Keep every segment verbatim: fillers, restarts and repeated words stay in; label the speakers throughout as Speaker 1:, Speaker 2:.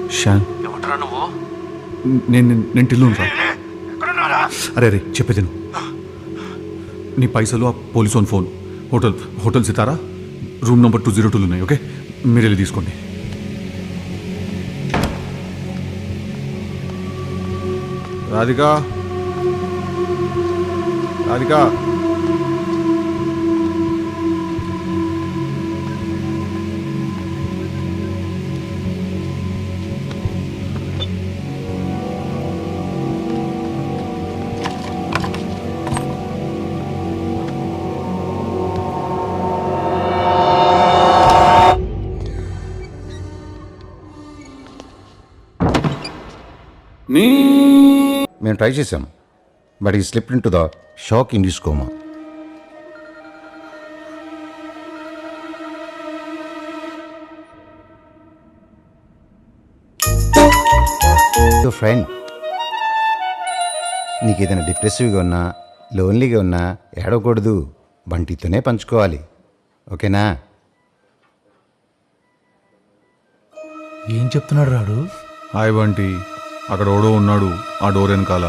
Speaker 1: షాన్
Speaker 2: ఎవడరా నువ్వు?
Speaker 1: నేను నేను టిల్లు రా. అరే అరే చెప్పేది నువ్వు. నీ పైసలు ఆ police on phone hotel hotel Sitara room number two zero టూలు ఉన్నాయి. ఓకే మీరు వెళ్ళి తీసుకోండి. రాధికా రాధికా
Speaker 3: మేము ట్రై చేసాం బట్ ఈ slip into the shock induce coma. Friend నీకు ఏదైనా డిప్రెసివ్గా ఉన్నా లోన్లీగా ఉన్నా ఏడవకూడదు, బంటితోనే పంచుకోవాలి. ఓకేనా?
Speaker 4: ఏం చెప్తున్నాడు రాడు?
Speaker 1: హాయ్ బంటి, అక్కడ ఓడో ఉన్నాడు ఆ డోర్ వెనకాల.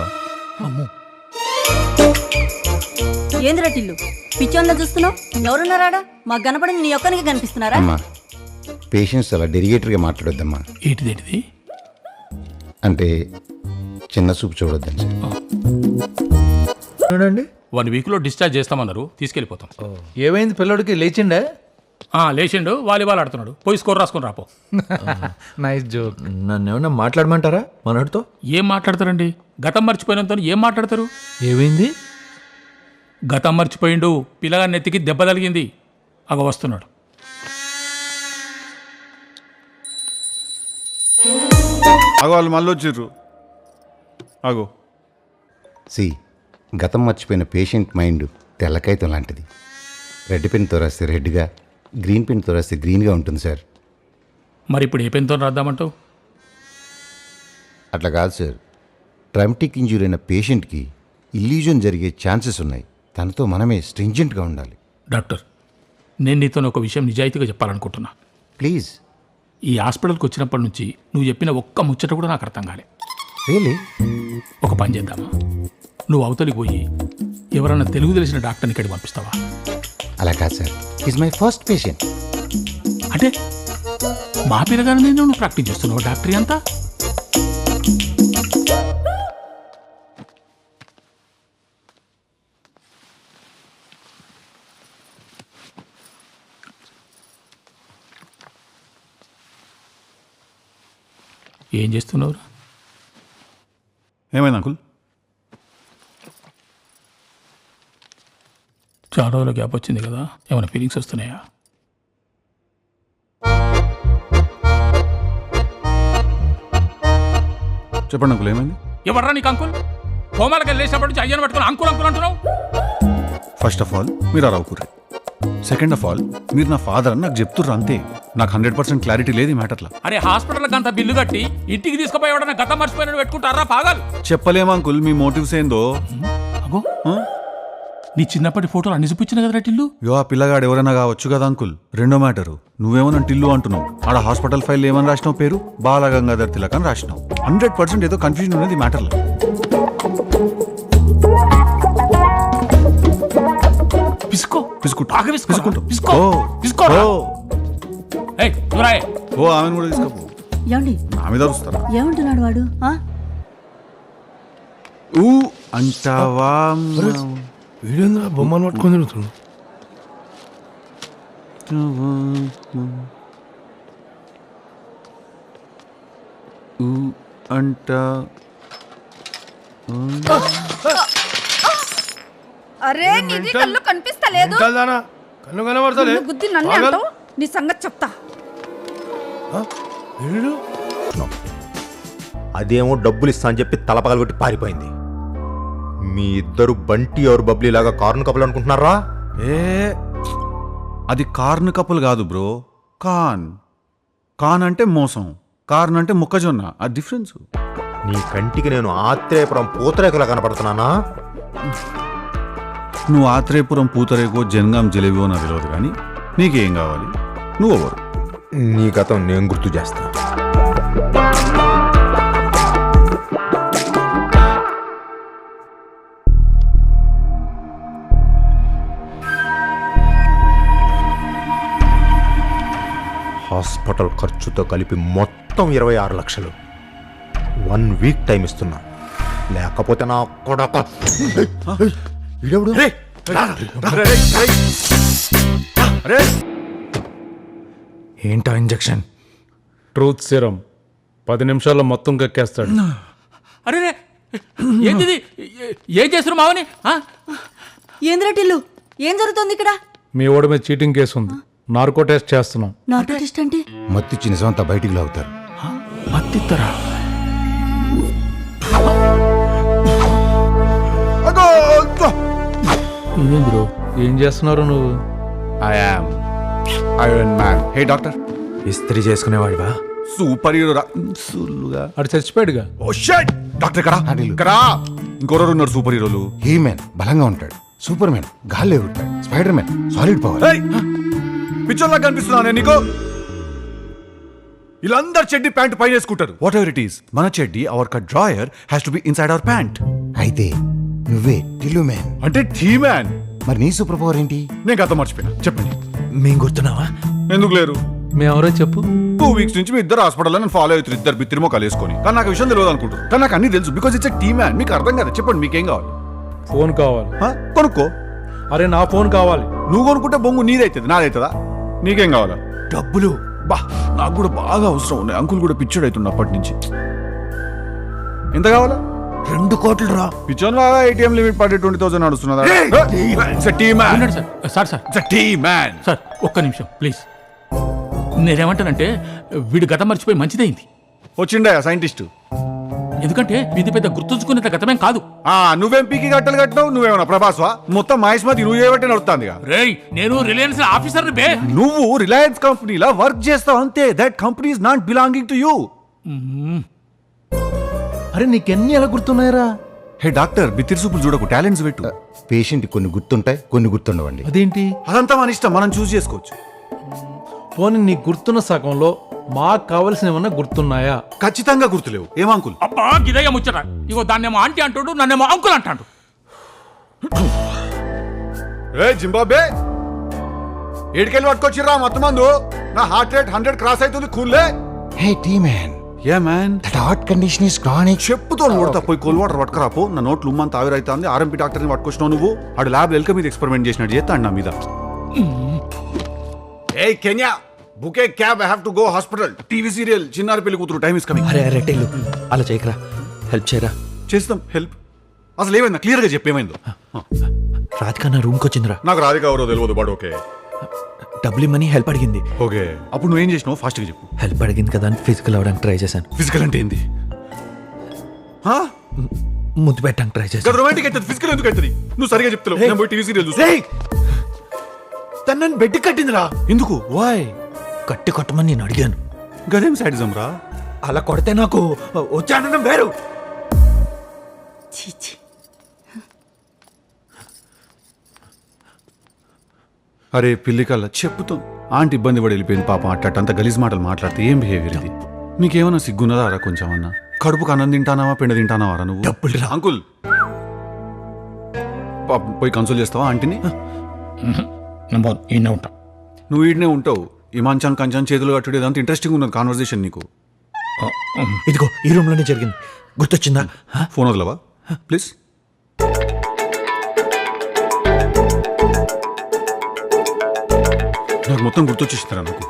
Speaker 5: ఏందిరా టిల్లు పిచ్చోందా చూస్తున్నావు? ఎవరున్నారాడా? మాకు కనపడింది నీ ఒక్కనికి కనిపిస్తున్నారా?
Speaker 3: అమ్మా పేషెంట్స్ అలా డెరిగేటర్గా మాట్లాడొద్దమ్మా.
Speaker 2: ఏంటిదేంటిది?
Speaker 3: అంటే చిన్న చూపు చూడొద్దని.
Speaker 4: చూడండి,
Speaker 2: వన్ వీక్లో డిశ్చార్జ్ చేస్తామన్నారు, తీసుకెళ్ళిపోతాం.
Speaker 4: ఏమైంది పిల్లడికి? లేచిండే?
Speaker 2: ఆ, లేచిండు, వాలీబాల్ ఆడుతున్నాడు. పోయి స్కోర్ రాసుకొని రాపో.
Speaker 4: Nice joke. నన్ను ఏమన్నా మాట్లాడమంటారా మనోడితో?
Speaker 2: ఏం మాట్లాడతారండి? గతం మర్చిపోయినంత ఏం మాట్లాడతారు?
Speaker 4: ఏమైంది?
Speaker 2: గతం మర్చిపోయిండు, పిల్లగా నెత్తికి దెబ్బ తగిలింది, అగ వస్తున్నాడు.
Speaker 1: అగో వాళ్ళు మళ్ళీ వచ్చిర్రు. అగో
Speaker 3: సి గతం మర్చిపోయిన పేషెంట్ మైండ్ తెల్లకాయతం లాంటిది. రెడ్ పెన్తో రాస్తే రెడ్గా, గ్రీన్ పెన్తో రాస్తే గ్రీన్గా ఉంటుంది సార్.
Speaker 2: మరి ఇప్పుడు ఏ పెన్తో రాద్దామంటావు?
Speaker 3: అట్లా కాదు సార్. ట్రామటిక్ ఇంజ్యూరీ అయిన పేషెంట్కి ఇల్యూజన్ జరిగే ఛాన్సెస్ ఉన్నాయి. తనతో మనమే స్ట్రింజెంట్గా ఉండాలి.
Speaker 2: డాక్టర్, నేను నీతో ఒక విషయం నిజాయితీగా చెప్పాలనుకుంటున్నా.
Speaker 3: ప్లీజ్.
Speaker 2: ఈ హాస్పిటల్కి వచ్చినప్పటి నుంచి నువ్వు చెప్పిన ఒక్క ముచ్చట కూడా నాకు అర్థం కాలే.
Speaker 3: రియలీ?
Speaker 2: ఒక పని చేద్దామా? నువ్వు అవతలికి పోయి ఎవరన్నా తెలుగు తెలిసిన డాక్టర్ని ఇక్కడికి పంపిస్తావా?
Speaker 3: అలా కాదు sir, is my first patient.
Speaker 2: అంటే మా పిల్లగానే నువ్వు ప్రాక్టీస్ చేస్తున్నావు డాక్టరీ అంతా? ఏం చేస్తున్నావు?
Speaker 1: ఏమైంది అంకుల్?
Speaker 2: చాలా రోజుల గ్యాప్ వచ్చింది కదా, ఏమైనా ఫీలింగ్స్ వస్తున్నాయా?
Speaker 1: చెప్పండి అంకుల్, ఏమైంది?
Speaker 2: ఎవర్రా నీకు అంకుల్? హోమాలకి వెళ్ళేసినప్పటి నుంచి అయ్యను పట్టుకుని అంకుల్ అంకుల్ అంటున్నావు.
Speaker 1: ఫస్ట్ ఆఫ్ ఆల్ మీరు ఆ రావుకుర్రే. సెకండ్ ఆఫ్ ఆల్ మీరు నా ఫాదర్ అని నాకు చెప్తుర్రు అంతే. నాకు హండ్రెడ్ పర్సెంట్ క్లారిటీ లేదు ఈ మ్యాటర్లో.
Speaker 2: అరే హాస్పిటల్కి అంత బిల్లు కట్టి ఇంటికి తీసుకుపోయేవాడన్నా గతం మర్చిపోయిన పెట్టుకుంటారా పాగాలు?
Speaker 1: చెప్పలేము అంకుల్ మీ మోటివ్స్ ఏందో.
Speaker 2: అగో నీ చిన్నప్పటి ఫోటోలు అన్ని చూపించిన కదా టిల్లు.
Speaker 1: యో ఆ పిల్లగాడు ఎవరైనా కావచ్చు కదా అంకుల్. రెండో మ్యాటరు, నువ్వేమన్నా టిల్లు అంటున్నావు. ఆడ హాస్పిటల్ ఫైల్ ఏమని రాసినావు? పేరు బాలగంగాధర్ తిలక్ అని రాసినావు. హండ్రెడ్ పర్సెంట్ ఏదో కన్ఫ్యూజన్ ఉన్నది ఈ మ్యాటర్లో.
Speaker 2: పిసుకో
Speaker 1: పిసుకుంటా
Speaker 2: బాగా పిసుకుంటా పిసుకో
Speaker 1: ఓ
Speaker 2: పిసుకో. ఏయ్ నువ్వురాయే.
Speaker 1: ఓ ఆమెను కూడా తీసుకపో.
Speaker 5: ఏమండి
Speaker 1: నా మీద అరుస్తారా?
Speaker 5: ఏమంటున్నాడు వాడు? ఆ?
Speaker 1: ఊ అంటావా?
Speaker 4: వీడేంద్ర బొమ్మను పట్టుకొని తిరుగుతున్నాడు.
Speaker 1: ఊ అంట
Speaker 6: అరే నీది కళ్ళు కనిపిస్తలేదు.
Speaker 4: కన్ను కనబడతలే.
Speaker 6: నిన్ను గుద్ది నన్నే అంటావు? నీ సంగతి చెప్తా.
Speaker 7: అదేమో డబ్బులు ఇస్తా అని చెప్పి తలపగలగొట్టి పారిపోయింది. మీ ఇద్దరు బంటి ఎవరు బబ్లీ లాగా కార్ను కప్పులు అనుకుంటున్నారా?
Speaker 1: ఏ అది కార్న్ కప్పులు కాదు బ్రో, కాన్. కాన్ అంటే మోసం, కార్న్ అంటే మొక్కజొన్న. ఆ డిఫరెన్స్.
Speaker 7: నీ కంటికి నేను ఆత్రేయపురం పూతరేకులా కనపడుతున్నానా?
Speaker 1: నువ్వు ఆత్రేయపురం పూతరేకో జనగాం జిలేబియో నాకు తెలియదు, కానీ నీకేం కావాలి? నువ్వు ఎవరు?
Speaker 7: నీ గతం నేను గుర్తు చేస్తా. హాస్పిటల్ ఖర్చుతో కలిపి మొత్తం ఇరవై ఆరు లక్షలు వన్ వీక్ టైం ఇస్తున్నా, లేకపోతే నా కొడక ఈడెవడు?
Speaker 4: ఏంటా ఇంజెక్షన్?
Speaker 8: ట్రూత్ సిరం పది నిమిషాల్లో మొత్తం కక్కేస్తాడు.
Speaker 2: అరే రే, ఏంది ఇది? ఏ- ఏం చేస్తున్నారు మావని ఆ?
Speaker 5: ఏంద్రా టిల్లు ఏం జరుగుతుంది ఇక్కడ?
Speaker 8: మీ ఓడి మీద చీటింగ్ కేసు ఉంది, నార్కో టెస్ట్ చేస్తున్నాం.
Speaker 5: నార్కోటిస్ట్ అంటే
Speaker 3: మత్తిచ్చి నిజమంతా బయటికి లాగుతారు.
Speaker 2: మత్తిత్తరా? ఇదేం బ్రో?
Speaker 8: ఏం చేస్తున్నారు నువ్వు?
Speaker 1: I am iron man. Hey doctor,
Speaker 4: ఇస్త్రీ చేసుకునేవాడివా?
Speaker 1: సూపర్ హీరో రా. సుల్లుగా
Speaker 8: అటు చచ్చిపోయాడుగా.
Speaker 1: ఓ షట్. డాక్టర్ ఇక్కడ ఇక్కడ ఇంకొరరు ఉన్నారు సూపర్ హీరోలు.
Speaker 3: హీ మ్యాన్ బలంగా ఉంటాడు, సూపర్ మ్యాన్ గాల్లో ఎగురుతాడు, స్పైడర్ మ్యాన్ సాలిడ్ పవర్.
Speaker 1: పిక్చర్లా కనిపిస్తున్నా నేను నీకు? వీళ్ళందరు చెడ్డి ప్యాంట్ పైన వేసుకుంటారు. వాట్ ఎవర్ ఇట్ ఈస్, మన చెడ్డి our cut drawer has to be inside our pant.
Speaker 3: అయితే నువ్వే టిల్లు మ్యాన్.
Speaker 1: అంటే టీ మ్యాన్.
Speaker 3: మరి నీ సూపర్ పవర్ ఏంటి?
Speaker 1: నేను గతం మర్చిపోయినా, చెప్పండి.
Speaker 4: మేం గుర్తున్నావా?
Speaker 1: ఎందుకు లేరు?
Speaker 8: మేమెవరో చెప్పు.
Speaker 1: టూ వీక్స్ నుంచి మీ ఇద్దరు హాస్పిటల్లో నేను ఫాలో అవుతారు, ఇద్దరు బిత్తిరిమో కలిసుకొని. కానీ నాకు విషయం తెలియదు అనుకుంటారు, కానీ నాకు అన్ని తెలుసు. Because it's T man. మీకు అర్థం కదా, చెప్పండి మీకేం కావాలి?
Speaker 8: ఫోన్ కావాలి.
Speaker 1: హ? కొనుక్కో.
Speaker 8: అరే నా ఫోన్ కావాలి.
Speaker 1: నువ్వు కొనుక్కుంటే బొంగు నీదైతుంది, నాదైతుందా? నీకేం కావాలా?
Speaker 4: డబ్బులు.
Speaker 1: బా, నాకు కూడా బాగా అవసరం ఉన్నాయి. అంకుల్ కూడా పిచ్చోడు అవుతుండే అప్పటి నుంచి. ఎంత కావాలా?
Speaker 4: రెండు కోట్లు రా.
Speaker 1: పిచ్చోన్ లాగా ఏటీఎం లిమిట్ పడి ట్వంటీ థౌసండ్ నడుస్తున్నదా? T man.
Speaker 2: ఉండండి sir. Sir sir
Speaker 1: T man.
Speaker 2: Sir ఒక్క నిమిషం ప్లీజ్. నేనేమంటానంటే వీడు గతం మర్చిపోయి మంచిదైంది.
Speaker 1: వచ్చిండే సైంటిస్ట్.
Speaker 2: ఎందుకంటే ఇది పెద్ద గుర్తుంచుకునేంత గతమేం కాదు.
Speaker 1: ఆ నువ్వేం పీకి గట్టలు కట్టినావు? నువ్వేమన్నా ప్రభాస్వా? మొత్తం మహేష్మతి నువ్వు చేయబట్టి నడుస్తుంది.
Speaker 2: రేయ్, నేను రిలయన్స్ ఆఫీసర్ బే.
Speaker 1: నువ్వు రిలయన్స్ కంపెనీలా వర్క్ చేస్తావు అంతే. That company is not belonging to you.
Speaker 8: అరే నీకెన్ని ఎలా గుర్తున్నాయరా?
Speaker 1: హే డాక్టర్, బిత్తిరి సూపులు చూడకు, టాలెంట్స్ పెట్టు.
Speaker 3: పేషెంట్ కొన్ని గుర్తుంటాయి, కొన్ని గుర్తుండవండి.
Speaker 8: అదేంటి?
Speaker 1: అదంతా మన ఇష్టం, మనం చూస్ చేసుకోవచ్చు.
Speaker 8: పోనీ నీకు గుర్తున్న సగంలో మాకు కావలసిన ఏమన్నా గుర్తున్నాయా?
Speaker 1: ఖచ్చితంగా గుర్తులేవు. ఏం అంకుల్?
Speaker 2: అబ్బా గిదయ్య ముచ్చట. ఇగో దాన్నేమో ఆంటీ అంటాడు, నన్నేమో అంకుల్ అంటాడు.
Speaker 1: ఏ జింబాబే, ఏడికెళ్ళి పట్టుకొచ్చిర్రా మొత్తం మందు? నా హార్ట్ రేట్ హండ్రెడ్ క్రాస్ అవుతుంది. కూల్లే.
Speaker 3: Hey T man,
Speaker 1: ya man.
Speaker 3: That heart condition is chronic.
Speaker 1: చెప్పుతో కొడతా, పోయి కోల్ వాటర్ పట్టుకురాపో. నా నోట్లు ఉమ్మంత ఆవిరైతుంది. ఆర్ఎంపీ డాక్టర్ని పట్టుకొచ్చినావు నువ్వు. ఆడు ల్యాబ్ ఎల్క మీద ఎక్స్పెరిమెంట్ చేసినట్టు చేస్తాడు నా మీద. Hey can you, book a cab, I have to go hospital. TV serial Chinnari Pelli కూతురు, టైం ఇస్ కమింగ్.
Speaker 4: అరే అరే టెల్లు, అలా చేయకరా, హెల్ప్ చేయరా.
Speaker 1: చేస్తాం హెల్ప్. అసలు ఏమైందా క్లియర్ గా చెప్పేమైందో?
Speaker 4: రాధిక నా రూమ్కి వచ్చిందిరా.
Speaker 1: నాకు రాధిక ఎవరో తెలియదు, బట్ ఓకే
Speaker 4: డబ్బులు ఇమ్మని హెల్ప్ అడిగింది.
Speaker 1: ఓకే. అప్పుడు నువ్వేం చేసినావు? ఫాస్ట్ గా చెప్పు.
Speaker 4: హెల్ప్ అడిగింది కదా అని ఫిజికల్ అవ్వడానికి ట్రై చేశాను.
Speaker 1: ఫిజికల్ అంటే ఏంది?
Speaker 4: ముద్దు పెట్టడానికి ట్రై చేశాను.
Speaker 1: రొమాంటిక్ అయితే ఫిజికల్ ఎందుకు అవుతుంది? నువ్వు సరిగా చెప్తావు. నేను పోయి టీవీ సీరియల్ చూస్తా.
Speaker 4: తను బెడ్ కట్టిందిరా.
Speaker 1: ఎందుకు? వాయ్?
Speaker 4: కట్టి కొట్టమని నేను అడిగాను.
Speaker 1: గదేం సైడిజం రా?
Speaker 4: అలా కొడితే నాకు వచ్చానడం వేరు.
Speaker 5: చీచి.
Speaker 1: అరే పిల్లి కల్లా చెప్పుతో ఆంటీ ఇబ్బంది పడి వెళ్ళిపోయింది పాపం. అట్ట అంత గలీజ్ మాటలు మాట్లాడితే ఏం బిహేవియర్ ఇది? నీకేమన్నా సిగ్గున్నదా రా కొంచెం అన్నా? కడుపుకు అన్నం తింటానావా, పిండ తింటానావా రా నువ్వు?
Speaker 4: డబ్బులు రా.
Speaker 1: అంకుల్ పాపం పోయి కన్సోల్ చేస్తావా ఆంటీని?
Speaker 2: ఈయన ఉంటా.
Speaker 1: నువ్వు ఈడనే ఉంటావు. ఈ మంచం కంచం చేతులు కట్టుడు ఇదంతా ఇంట్రెస్టింగ్ ఉన్నది కాన్వర్సేషన్ నీకు.
Speaker 4: ఇదిగో ఈ రూమ్ లోనే జరిగింది. గుర్తొచ్చిందా?
Speaker 1: ఫోన్ వదలవా ప్లీజ్? నాకు మొత్తం గుర్తొచ్చేసిందిరా నాకు.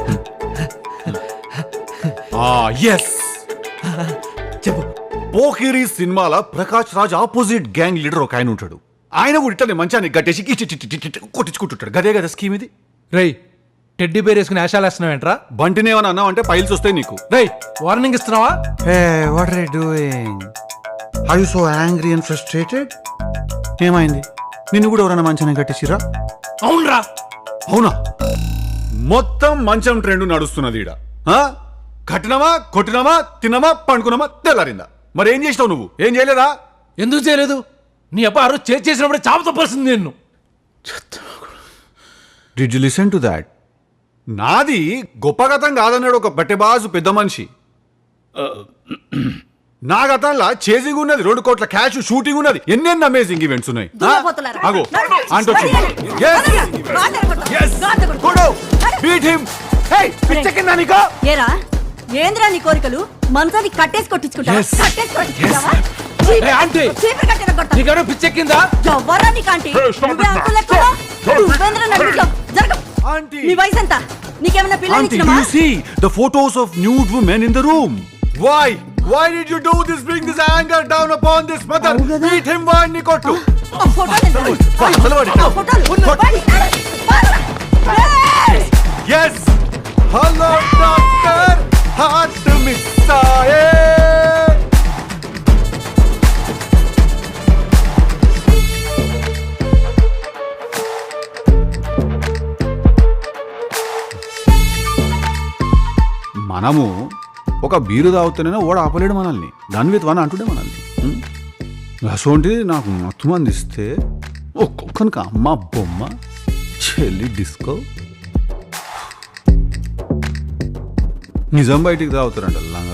Speaker 1: ఎస్,
Speaker 4: చెప్పు.
Speaker 1: పోకిరి సినిమాల Prakash Raj opposite gang leader ఒక ఆయన ఉంటాడు. ఆయన కూడా ఇట్లనే మంచాన్ని గట్టేసి ఇచ్చి కొట్టించుకుంటుంటాడు. గదే కదా స్కీమ్ ఇది.
Speaker 8: రేయ్, టెడ్డీ బేర్ వేసుకుని ఆశాలు వేస్తున్నావేంట్రా?
Speaker 1: బంటిని ఏమన్నా అన్నావు అంటే పైల్స్ వస్తాయి నీకు.
Speaker 8: రేయ్, వార్నింగ్ ఇస్తున్నావా?
Speaker 1: What are you doing? Are you so angry and frustrated? ఏమైంది? నిన్ను కూడా ఎవరైనా మంచాన్ని కట్టేసిరా?
Speaker 2: అవునరా.
Speaker 1: అవునా? మొత్తం మంచం ట్రెండ్ నడుస్తున్నది ఈడ. ఆ? కట్టినమా, కొట్టినమా, తిన్నమా, పండుకున్నామా, తెల్లారిందా? మరి ఏం చేసినావు నువ్వు? ఏం చేయలేదా?
Speaker 8: ఎందుకు చేయలేదు? నీ అబ్బా ఆ రోజు చేసి చేసినప్పుడే చావు తప్పాల్సింది నిన్ను.
Speaker 1: Did you listen to that? నాది గొప్ప గతం కాదన్నాడు ఒక బట్టెబాజు పెద్ద మనిషి. నా గతంలో చేసింగ్ ఉన్నది, రెండు కోట్ల క్యాష్, షూటింగ్ ఉన్నది, ఎన్నెన్ని అమేజింగ్ ఈవెంట్స్ ఉన్నాయి.
Speaker 5: దున్నపోతులారా.
Speaker 1: ఆగో
Speaker 5: నడు.
Speaker 1: ఆంటీ వచ్చింది.
Speaker 5: నడు.
Speaker 1: Yes.
Speaker 5: నడు. గాడిద కొట్టు.
Speaker 1: Yes.
Speaker 5: గాడిద కొట్టు.
Speaker 1: Go down. Beat him. పిచ్చెక్కిందా నీకు?
Speaker 5: ఏరా ఏంద్రా నీ కోరికలు మంచాన్ని కట్టేసి కొట్టించుకుంటా
Speaker 1: Yes.
Speaker 5: కట్టేసి కొట్టించుకుంటావా?
Speaker 8: ఏ, ఆంటీ!
Speaker 5: చీపురు కట్టెన కొడతా.
Speaker 8: నీకెవరో పిచ్చెక్కిందా
Speaker 5: ఎవ్వరా నీకాంటీ? నువ్వే అంకుల్ ఎక్కువ? నువ్వేంద్రా నన్ను ఇట్లా జరగ.
Speaker 1: Auntie.
Speaker 5: నీ వయసు ఎంత? నీకేమైనా
Speaker 1: Auntie,
Speaker 5: పిల్లనిచ్చినమా?
Speaker 1: do you see the photos of nude women in the room? Why? Why did you do this? Bring this anger down upon this mother. Beat him వాడిని కొట్టు.
Speaker 5: ఆ ఫోటోలు ఎంత?
Speaker 1: వా, నిలబడి.
Speaker 5: ఆ ఫోటోలు. వాడి- ఏయ్!
Speaker 1: Yes. Hello doctor. Heart miss ఆయే. మనము ఒక బీరు తాగుతూనే ఓడ ఆపలేడు మనల్ని దాని విత్ వన్ అంటుండే మనల్ని ఉం? అసోంటిది నాకు మొత్తం అందిస్తే ఒక్కొక్కనికి అమ్మ బొమ్మ చెల్లి డిస్కో నిజం బయటికి తాగుతారంట లంగ